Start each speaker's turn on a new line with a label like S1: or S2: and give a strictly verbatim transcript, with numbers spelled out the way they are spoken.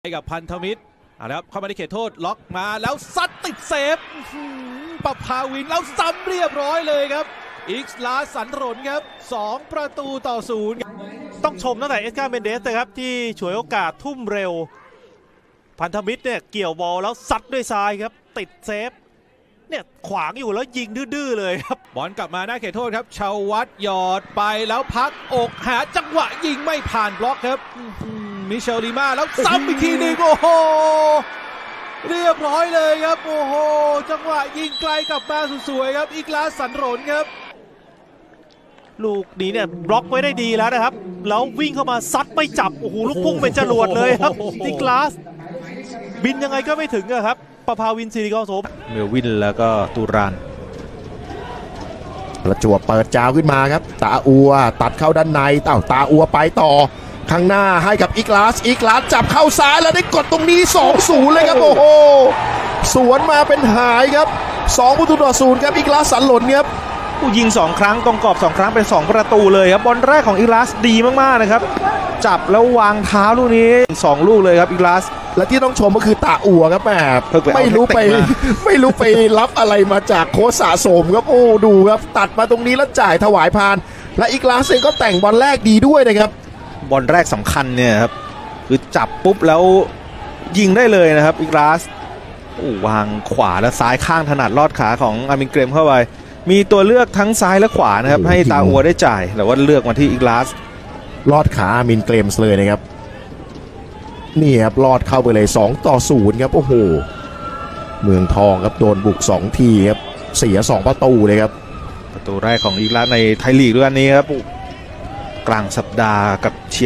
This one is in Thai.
S1: กับพันธมิตรเอาละครับเข้ามาในเขตโทษล็อกมาแล้วซัดติดเซฟปะพาวินแล้วซ้ำเรียบร้อยเลยครับอิกซ์ลาสันรนครับสองประตูต่อศูนย์
S2: ต้องชมตั้งแต่เอสกาเมนเดสนะครับที่ฉวยโอกาสทุ่มเร็วพันธมิตรเนี่ยเกี่ยวบอลแล้วซัดด้วยซ้ายครับติดเซฟเนี่ยขวางอยู่แล้วยิงดื้อๆเลยครับ
S1: บอลกลับมาหน้าเขตโทษครับชาววัฒน์หยอดไปแล้วพักอกหาจังหวะยิงไม่ผ่านบล็อกครับมิเชลลีมาแล้วซ้ำอีกทีหนึ่งโอ้โหเรียบร้อยเลยครับโอ้โหจังหวะยิงไกลกลับมาสวยๆครับอิกลาสันรนครับ
S2: ลูกนี้เนี่ยบล็อกไว้ได้ดีแล้วนะครับแล้ววิ่งเข้ามาซัดไม่จับโอ้โหลูกพุ่งเป็นจรวดเลยครับอิกลาสบินยังไงก็ไม่ถึงอะครับประภาวินศิริกรโสภ
S1: เมลวินแล้วก็ตูราน
S3: ประจวบเปิดจาวขึ้นมาครับตาอัวตัดเข้าด้านในเต่าตาอัวไปต่อข้างหน้าให้กับอิกลาสอิกลาสจับเข้าซ้ายแล้วได้กดตรงนี้ สองศูนย์ เลยครับโอ้โหสวนมาเป็นหายครับสองประตูต่อศูนย์ครับอิกลาสสันหล่นครับ
S2: ยิงสองครั้งตรงกรอบสองครั้งเป็นสองประตูเลยครับบอลแรกของอิกลาสดีมากๆนะครับจับแล้ววางเท้าลูกนี้สองลูกเลยครับอิกลาส
S3: และที่ต้องชมก็คือตาอัวครับแม่ไม่รู้ไปไม่รู้ไปรับอะไรมาจากโค้ชสะสมครับโอ้ดูครับตัดมาตรงนี้แล้วจ่ายถวายพานและอิกลาสเองก็แต่งบอลแรกดีด้วยนะครับ
S2: บอลแรกสำคัญเนี่ยครับคือจับปุ๊บแล้วยิงได้เลยนะครับอิกลาสวางขวาและซ้ายข้างถนัดลอดขาของอามินเกรมเข้าไปมีตัวเลือกทั้งซ้ายและขวานะครับให้ตาอัวได้จ่ายแต่ว่าเลือกมาที่อิกลาส
S3: ลอดขาอามินเกรมส์เลยนะครับนี่ครับลอดเข้าไปเลยสองต่อศูนย์ครับโอ้โหเมืองทองครับโดนบุกสองทีครับเสียสองประตูเลยครับ
S2: ประตูแรกของอิกลาสในไทยลีกด้วยอันนี้ครับกลางสัปดาห์กับเชีย